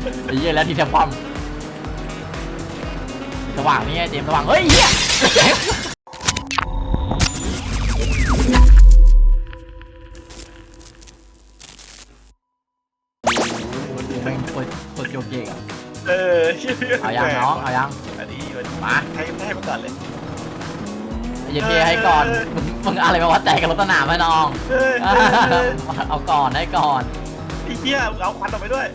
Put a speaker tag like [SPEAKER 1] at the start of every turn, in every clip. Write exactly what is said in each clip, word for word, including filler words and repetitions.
[SPEAKER 1] ไอ้เหี้ยแล้วทีเดียวความสว่างนี่ไงเจมสว่างเฮ้ยเหี้ยแม่งคนคนโยกเยกอ่ะ
[SPEAKER 2] เออ
[SPEAKER 1] เอายังน้องเอายัง
[SPEAKER 2] อันนี้
[SPEAKER 1] มา
[SPEAKER 2] ให้ให้มาก่อนเลย
[SPEAKER 1] เย็นเยให้ก่อนมึงมึงอะไรมาวัดแตกกับรถสนามไหมน้อง
[SPEAKER 2] เออ
[SPEAKER 1] เอาก่อนให้ก่อน
[SPEAKER 2] ไอ้เหี้ยเอาควันออกไปด้วย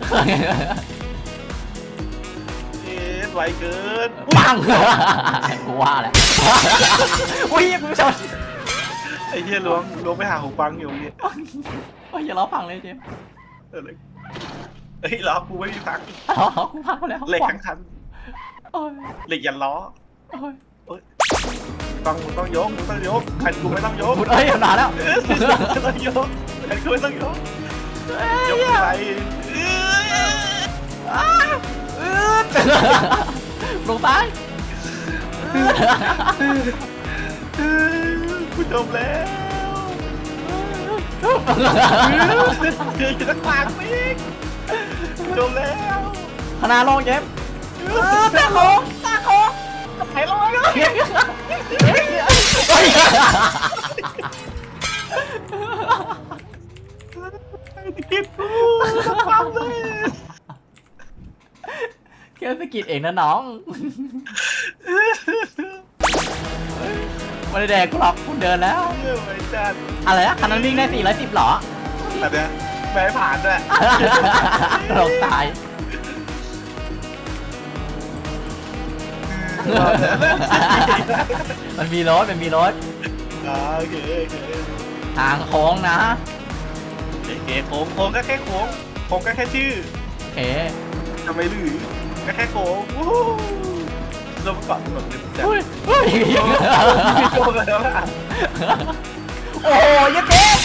[SPEAKER 2] เอ๊ะไวเกิน
[SPEAKER 1] ปังกูว่าแหละอุ้ยกูชน
[SPEAKER 2] ไอ้เหี้ยล้วงล้วงไปหาหูฟังอยู่นี่
[SPEAKER 1] โอ้ยอย่าล้อพังเลยเจม
[SPEAKER 2] เออเลยเฮ้ยล้อกูไม่มีพัง
[SPEAKER 1] ล้อกูพังไปแล้ว
[SPEAKER 2] เหล็กทั้งคัน
[SPEAKER 1] โอ้ย
[SPEAKER 2] เหล็กยันล้อ
[SPEAKER 1] โอ้ย
[SPEAKER 2] ต้องมึงต้องยกมึงต้องยกคันกูไม่ต้องยก
[SPEAKER 1] พูดเอ้ยนานแล้ว
[SPEAKER 2] เออไม่ต้องยกคันกูไม่ต้องยกยกอะไรเออ
[SPEAKER 1] ลงซ้าย
[SPEAKER 2] กูจมแล้วคือจะขวางมิกจมแล้ว
[SPEAKER 1] ขนาดลงเจมตาโค้งตาโค้งไหลลงเลย
[SPEAKER 2] กินกูความเลย
[SPEAKER 1] แค่สะกิดเองนะน้องไม่ได้แดกกูหรอกคุณเดินแล้ว
[SPEAKER 2] เยอะไปจัด
[SPEAKER 1] อะไรนะคันนั้นวิ่งได้สี่ร้อยสิบหรอ
[SPEAKER 2] อันเนี้ยแม่ผ่านด้วย
[SPEAKER 1] ลงตายมันมีรถมันมีรถ
[SPEAKER 2] อ่าโอเคโอเค
[SPEAKER 1] ทางโค้งนะ
[SPEAKER 2] โอเคโค้งโค้งก็แค่โค้งโค้งก็แค่ชื่อ
[SPEAKER 1] โอเค
[SPEAKER 2] ทำไมหรือก็แค่โค้งวู้ลงมาก่อนหมดเลยจ้ะ
[SPEAKER 1] เฮ้ยเฮ้ย
[SPEAKER 2] โค้งแล้วล่ะ
[SPEAKER 1] โอ้ยยัดเจ็บ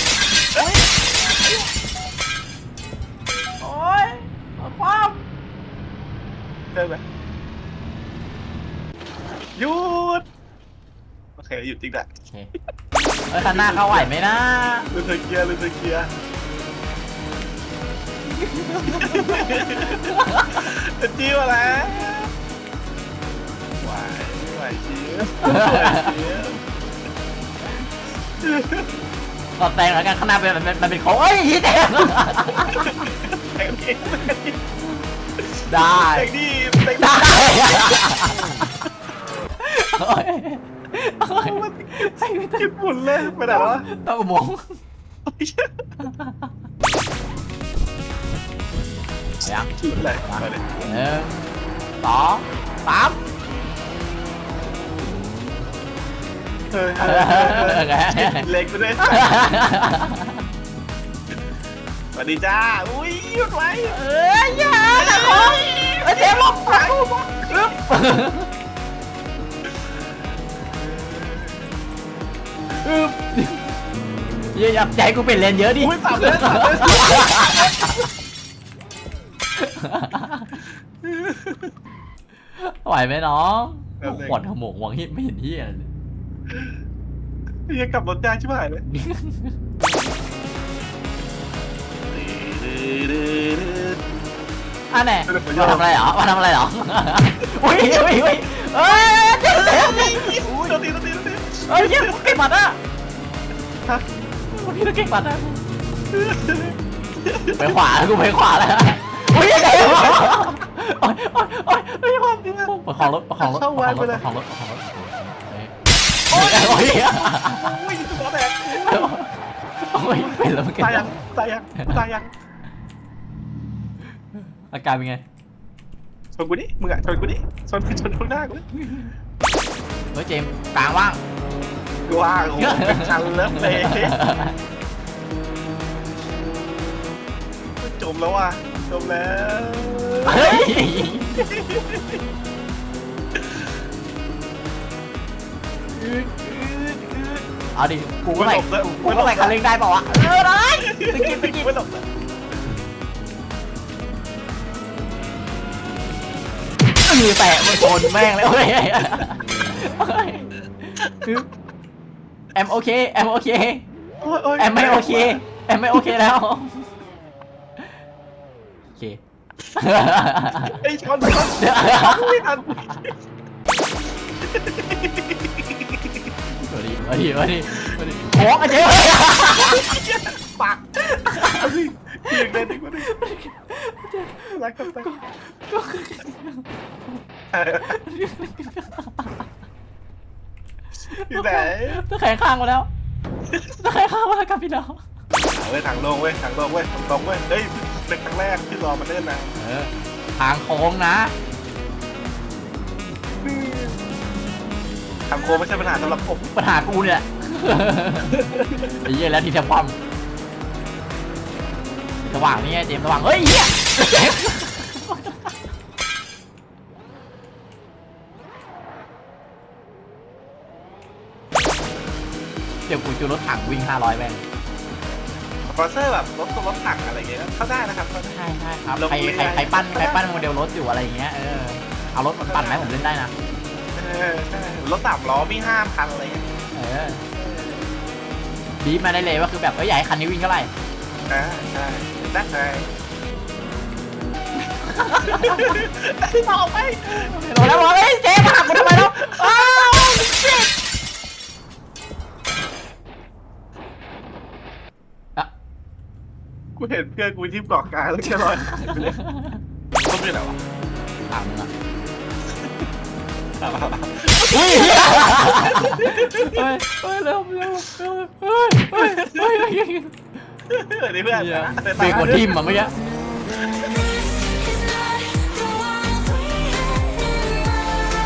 [SPEAKER 1] โอ้ยความ
[SPEAKER 2] ได้ไหมหยุดโอเคหยุดจริงแหละ
[SPEAKER 1] โอเคเฮ้ยคันหน้าเข้าไหวไหมนะ
[SPEAKER 2] ลืมเธอเกียร์ลืมเธอเกียร์จะจิ้วอะไรไหวไหวจิ้วไหวจิ้ว
[SPEAKER 1] ก็แซงแล้วกันข้างหน้าเป็นมันเป็นมันเป็นโค้งเอ้ยยี่แตง
[SPEAKER 2] แต่งดี
[SPEAKER 1] ได้
[SPEAKER 2] แต่งดีแต่ง
[SPEAKER 1] ได้
[SPEAKER 2] ดี
[SPEAKER 1] โอ้ยโอ้ยไอ้ไม่ต้อง
[SPEAKER 2] ญี่ปุ่นเลยไปไหนวะ
[SPEAKER 1] ต้องมองยัง
[SPEAKER 2] ชุดอะไรมาเลย
[SPEAKER 1] หนึ่งสองสาม
[SPEAKER 2] เฮ้ยเล็กไปด้วยสวัสดีจ้าอุ้ยหยุดไว้
[SPEAKER 1] เอ้ยอย่าตะโกนเอ้ยเจ๊ลบไปอึ๊บอึ๊บอย่าอย่าใจกูเป็นเลนเยอะดิ
[SPEAKER 2] อุ้ยสับเลยสับเลย
[SPEAKER 1] ไหวไหมน้องขวดขโมงหวังฮิตไม่เห็นที่อะไรเลย
[SPEAKER 2] ยังกลับรถยากชิบหายเลย
[SPEAKER 1] อ่ะแน่มาทำอะไรเหรอมาทำอะไรเหรออุ้ยอุ้ยอุ้ยเอ้ยเจ๊เจ๊
[SPEAKER 2] อุ้ยโดนตีโดนตีโดนตี
[SPEAKER 1] เอ้ยเจ๊เก่งปัดอ่ะพี่ต้องเก่งปัดนะไปขวากูไปขวาแล้วอุ้ยเจ๊โอ้ยโอ้ยโอ้ยโอ้ยความประคองรถประคองรถประคองรถประคองรถประคองรถโอ้ยโอ้ย
[SPEAKER 2] อุ้ยตัวแตก
[SPEAKER 1] โอ้ยเป็นแล้วมันเก่ง
[SPEAKER 2] ตายยังตายยังตายยัง
[SPEAKER 1] อาการเป็นไง
[SPEAKER 2] ชนกูดิมึงอะชนกูดิชนชนข้างหน้ากู
[SPEAKER 1] เฮ้ยเจมกลางว่าง
[SPEAKER 2] กูว่าโอ้เป็นชันเลิฟเลยจมแล้วว่ะจมแล้ว
[SPEAKER 1] เฮ้ยเอาดิกูก็ไหลกูก็ไหลคันเร่งได้เปล่าวะเออได้ตะกี้ตะกี้
[SPEAKER 2] ไม่หลบ
[SPEAKER 1] มือแตะมันชนแม่งเลยเฮ้ยแอมโอเคแอมโอเคแอมไม่โอเคแอมไม่โอเคแล้วโอเค
[SPEAKER 2] ไอ้ชนชนไม่ทัน
[SPEAKER 1] มาดิมาดิมาดิมาดิโอ้ไอ้เจ๊
[SPEAKER 2] ปากยิงเลยดิมาดิรักกันไปอยู่ไหน
[SPEAKER 1] ตะแคงข้างมาแล้วตะแคงข้างมาแล้วกับพี่น้อง
[SPEAKER 2] เว้ยทางลงเว้ยทางลงเว้ยทางตรงเว้ยเฮ้ยเป็นครั้งแรกที่รอมันเล่นนะ
[SPEAKER 1] เออทางโค้งนะ
[SPEAKER 2] ทางโค้งไม่ใช่ปัญหาสำหรับผม
[SPEAKER 1] ปัญหากูเนี่ยไอ้เหี้ยแล้วทีแทบความสว่างนี่ไงเจมส์สว่างเฮ้ยเหี้ยเจมส์เดี๋ยวกูจูรถถังวิ่งห้าร้อยแม่ง
[SPEAKER 2] สปอนเซอร์แบบรถรถถังอะไรเงี้ยเข้าได้นะครับเข้าได้
[SPEAKER 1] ใช่ใช่ครับใครใครใครปั้นใครปั้นโมเดลรถอยู่อะไรอย่างเงี้ยเออเอารถมันปั่นไหมผมเล่นได้นะ
[SPEAKER 2] เออใช่รถสามล้อมีห้าพันอะไรเงี้ย
[SPEAKER 1] เออบีบมาได้เลยว่าคือแบบเอ้ยใหญ่คันนี้วิ่งเท่าไหร่
[SPEAKER 2] อ่าใช่ได้ไงบอกไป
[SPEAKER 1] โดนแล้วบอกเอ้ยเจ๊มาหักกูทำไมแล้วอ้าวเจ๊อะ
[SPEAKER 2] กูเห็นเพื่อนกูที่เกาะกลางแล้วแค่ลอยหายไปเลยต้องเป็นอะไรวะ
[SPEAKER 1] ถามมึงอะอุ้ยเฮ้ยเฮ้ยเร็วเร็วเร็วเฮ้ยเฮ้ยเฮ้ย
[SPEAKER 2] เออนี่เพื่อน
[SPEAKER 1] เบรกหัวทิ่มอ่ะเมื่อกี้